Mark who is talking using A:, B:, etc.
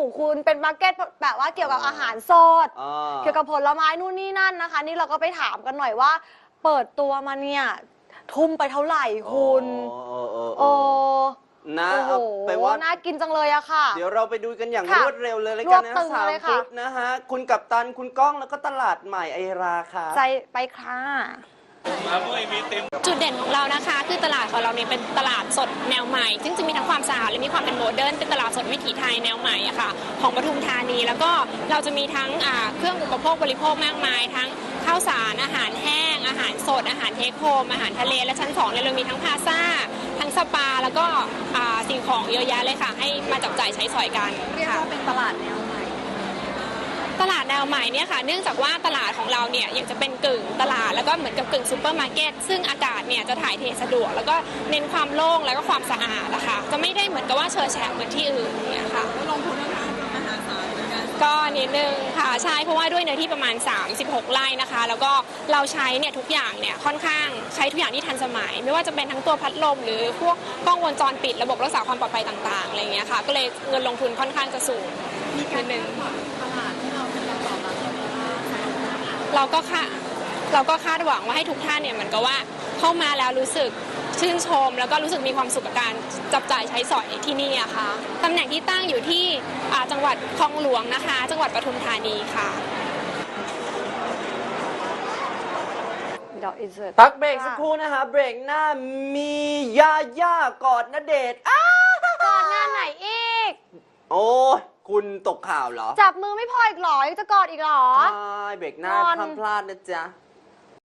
A: คุณเป็นมาร์เก็ตแบบว่าเกี่ยวกับอาหารสดเกี่ยวกับผลไม้นู่นนี่นั่นนะคะนี่เราก็ไปถามกันหน่อยว่าเปิดตัวมาเนี่ยทุ่มไปเท่าไหร่คุณโอ้นะเอาไปว่าน่ากินจังเลยอะค่ะ
B: เดี๋ยวเราไปดูกันอย่างรวดเร็วเลยแล้วกันนะ3 ฟุตนะฮะคุณกัปตันคุณก้องแล้วก็ตลาดใหม่ไอราค่ะ
A: ใจไปค่ะ
C: จุดเด่นของเรานะคะคือตลาดของเราเนี่ยเป็นตลาดสดแนวใหม่ซึ่งจะมีทั้งความสะอาดและมีความเป็นโมเดิร์นเป็นตลาดสดวิถีไทยแนวใหม่อะค่ะของปทุมธานีแล้วก็เราจะมีทั้งเครื่องอุปโภคบริโภคมากมายทั้งข้าวสารอาหารแห้งอาหารสดอาหารเทคโฮมอาหารทะเลและชั้น2เนี่ยเรามีทั้งพลาซ่าทั้งสปาแล้วก็สิ่งของเยอะแยะเลยค่ะให้มาจับจ่ายใช้สอยกัน
A: เรียกว่าเป็นตลาดแนวใหม่
C: ตลาดแนวใหม่เนี่ยค่ะเนื่องจากว่าตลาดของเราเนี่ยยังจะเป็นกึ่งตลาดแล้วก็เหมือนกับกึ่งซูเปอร์มาร์เก็ตซึ่งอากาศเนี่ยจะถ่ายเทสะดวกแล้วก็เน้นความโล่งแล้วก็ความสะอาดนะคะจะไม่ได้เหมือนกับว่าเชอแฉะเหมือนที่อื่นเนี่ยค่ะ
A: ลงทุนเรื่องอาหารสารเหมือนกัน
C: ก็นิดนึงค่ะใช่เพราะว่าด้วยเนื้อที่ประมาณ36 ไร่นะคะแล้วก็เราใช้เนี่ยทุกอย่างเนี่ยค่อนข้างใช้ทุกอย่างที่ทันสมัยไม่ว่าจะเป็นทั้งตัวพัดลมหรือพวกกล้องวงจรปิดระบบรักษาความปลอดภัยต่างๆอะไรอย่างเงี้ยค่ะก็เลยเงินลงทุนค่อนข้างจะสูงนิดนึง
A: ตลาดที่เรา
C: เราก็คาดหวังว่าให้ทุกท่านเนี่ยเหมือนกับว่าเข้ามาแล้วรู้สึกชื่นชมแล้วก็รู้สึกมีความสุขกับการจับจ่ายใช้สอยที่นี่อะค่ะตำแหน่งที่ตั้งอยู่ที่จังหวัดคลองหลวงนะคะจังหวัดปทุมธานีค่ะ
B: พักเบรกสักครู่นะคะเบรกหน้ามียาย่ากอดณเดชน์
A: กอดงานไหนอีก
B: โอ้คุณตกข่าวเหรอ
A: จับมือไม่พออีกหรอยังจะกอดอีกหรอ
B: ใช่เบรกหน้าห้ามพลาดนะจ๊ะ